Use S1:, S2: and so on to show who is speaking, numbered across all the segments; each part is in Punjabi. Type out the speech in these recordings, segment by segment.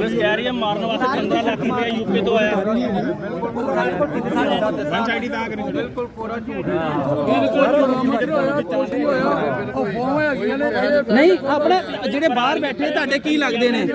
S1: ਪੁਲਿਸ ਕਹਿ ਰਹੀ ਹੈ ਮਾਰਨ ਵਾਸਤੇ 15 ਲੱਖ ਰੁਪਏ ਯੂਕੇ ਤੋਂ ਆਇਆ।
S2: ਵਨ ਸਾਈਡ ਤਾਂ ਕਰੀ ਬਿਲਕੁਲ ਪੂਰਾ ਝੂਠ
S3: ਨਹੀਂ ਆਪਣੇ ਜਿਹੜੇ ਬਾਹਰ ਬੈਠੇ ਤੁਹਾਡੇ ਕੀ ਲੱਗਦੇ ਨੇ?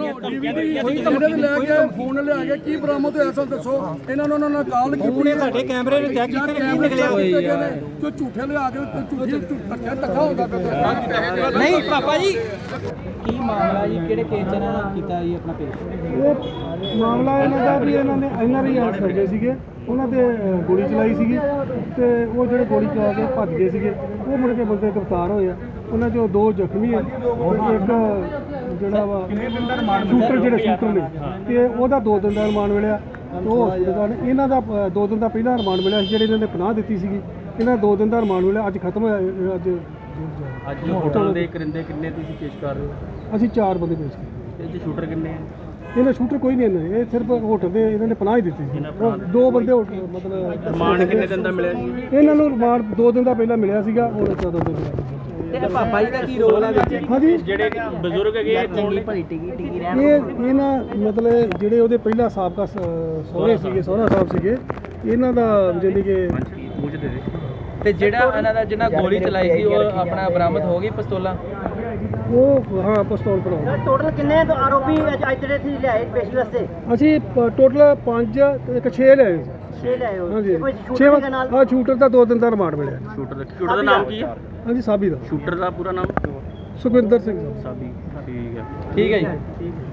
S4: ਫੋਨ ਲਿਆ ਕੇ ਕੀ ਬਰਾਮਦ ਹੋਇਆ ਸਰ ਦੱਸੋ। ਇਹਨਾਂ ਨੂੰ ਉਹਨਾਂ ਨੇ ਕਾਲ ਕੀਤੀ ਨੇ
S3: ਤੁਹਾਡੇ ਕੈਮਰੇ ਨੂੰ ਚੈੱਕ ਕੀਤੇ ਕੀ ਨਿਕਲਿਆ?
S4: ਜੋ ਝੂਠੇ ਲਿਆ ਕੇ ਧੱਕਾ ਹੁੰਦਾ ਪਿਆ।
S3: ਨਹੀਂ ਪਾਪਾ ਜੀ ਕੀ ਮਾਮਲਾ ਜੀ, ਕਿਹੜੇ ਕੇਸ ਚ ਇਹਨਾਂ ਨੇ ਕੀਤਾ ਜੀ ਆਪਣਾ ਪੇਸ਼?
S4: ਇਹ ਮਾਮਲਾ ਇਹਨਾਂ ਦਾ ਵੀ ਇਹਨਾਂ ਨੇ NRI ਆਰਟਸ ਕਰਦੇ ਸੀਗੇ, ਉਹਨਾਂ ਤੇ ਗੋਲੀ ਚਲਾਈ ਸੀਗੀ ਤੇ ਉਹ ਜਿਹੜੇ ਗੋਲੀ ਚਲਾ ਕੇ ਭੱਜ ਗਏ ਸੀਗੇ ਉਹ ਮੁੜ ਕੇ ਬੰਦੇ ਗ੍ਰਿਫਤਾਰ ਹੋਏ ਆ। ਉਹਨਾਂ ਚੋਂ 2 ਜ਼ਖਮੀ ਆ ਤੇ ਇੱਕ ਜਿਹੜਾ ਵਾ ਸ਼ੂਟਰ ਨੇ ਤੇ ਉਹਦਾ 2 ਦਿਨ ਦਾ ਰਿਮਾਂਡ ਮਿਲਿਆ। ਉਹ ਹਸਪਤਾਲ ਇਹਨਾਂ ਦਾ 2 ਦਿਨ ਦਾ ਪਹਿਲਾਂ ਰਿਮਾਂਡ ਮਿਲਿਆ ਸੀ, ਜਿਹੜੇ ਇਹਨਾਂ ਨੇ ਪਨਾਹ ਦਿੱਤੀ ਸੀਗੀ। ਇਹਨਾਂ 2 ਦਿਨ ਦਾ ਰਿਮਾਂਡ ਮਿਲਿਆ, ਅੱਜ ਖਤਮ ਹੋਇਆ।
S1: ਅੱਜ ਹੋਟਲ ਦੇ ਕਰਿੰਦੇ ਕਿੰਨੇ ਤੁਸੀਂ ਪੇਸ਼ ਕਰ ਰਹੇ ਹੋ?
S4: ਅਸੀਂ 4 ਬੰਦੇ ਪੇਸ਼ ਕੀਤੇ।
S1: ਇਹ 'ਚ ਸ਼ੂਟਰ ਕਿੰਨੇ ਆ?
S4: ਇਹਨਾਂ ਸ਼ੂਟਰ ਕੋਈ ਨਹੀਂ, ਇਹਨਾਂ ਇਹ ਸਿਰਫ ਹੋਟਲ ਦੇ ਇਹਨਾਂ ਨੇ ਪਨਾਹ ਹੀ ਦਿੱਤੀ ਸੀ। 2 ਬੰਦੇ ਹੋਟਲ ਮਤਲਬ
S1: ਰਿਮਾਂਡ ਕਿੰਨੇ ਦਿਨ ਦਾ ਮਿਲਿਆ ਸੀ?
S4: ਇਹਨਾਂ ਨੂੰ ਰਿਮਾਂਡ 2 ਦਿਨ ਦਾ ਪਹਿਲਾਂ ਮਿਲਿਆ ਸੀਗਾ, ਹੁਣ 14 ਦਿਨ ਦਾ।
S3: ਤੇ ਪਾਪਾ ਜੀ ਦਾ ਕੀ ਰੋਲ ਹੈ ਵਿੱਚ?
S4: ਹਾਂਜੀ
S1: ਜਿਹੜੇ ਬਜ਼ੁਰਗ ਹੈਗੇ ਆ ਕੌਣ ਨੇ?
S4: ਇਹ ਨਾ ਮਤਲਬ ਜਿਹੜੇ ਉਹਦੇ ਪਹਿਲਾਂ ਸਾਬਕਾ ਸਹੁਰੇ ਸੀਗੇ, ਸਹੁਰਾ ਸਾਹਿਬ ਸੀਗੇ, ਇਹਨਾਂ ਦਾ ਜਾਨੀ ਕਿ
S1: ਮੂੰਹ 'ਚ ਦੇ ਦੇ।
S3: ਤੇ ਜਿਹੜਾ ਇਹਨਾਂ ਦਾ ਜਿਹਨਾਂ ਗੋਲੀ ਚਲਾਈ ਸੀ ਉਹ ਆਪਣਾ ਬਰਾਮਦ ਹੋ ਗਈ ਪਿਸਤੌਲਾਂ?
S4: ਉਹ ਹਾਂ ਪਿਸਤੌਲ ਭਰਾ।
S5: ਟੋਟਲ ਕਿੰਨੇ ਆਰੋਪੀ ਅੱਜ ਜਿਹੜੇ ਸੀ ਲਿਆਏ ਪੇਸ਼ੀ ਵਾਸਤੇ?
S4: ਅਸੀਂ ਟੋਟਲ 5 ਤੇ ਇੱਕ 6 ਲਿਆਏ ਸੀ।
S5: 6 ਲਿਆਏ ਹੋ।
S4: ਹਾਂਜੀ
S5: ਕੋਈ
S4: 6
S5: ਸ਼ੂਟਰ ਦੇ ਨਾਲ?
S4: ਹਾਂ ਸ਼ੂਟਰ ਦਾ 2 ਦਿਨ ਦਾ ਰਿਮਾਂਡ ਮਿਲਿਆ।
S1: ਸ਼ੂਟਰ ਦਾ ਨਾਮ ਕੀ ਹੈ?
S4: ਹਾਂਜੀ ਸਾਬੀ ਦਾ,
S1: ਸ਼ੂਟਰ ਦਾ ਪੂਰਾ ਨਾਮ?
S4: ਸੁਖਵਿੰਦਰ ਸਿੰਘ।
S1: ਸਾਬੀ। ਠੀਕ ਹੈ।
S3: ਠੀਕ ਹੈ ਜੀ।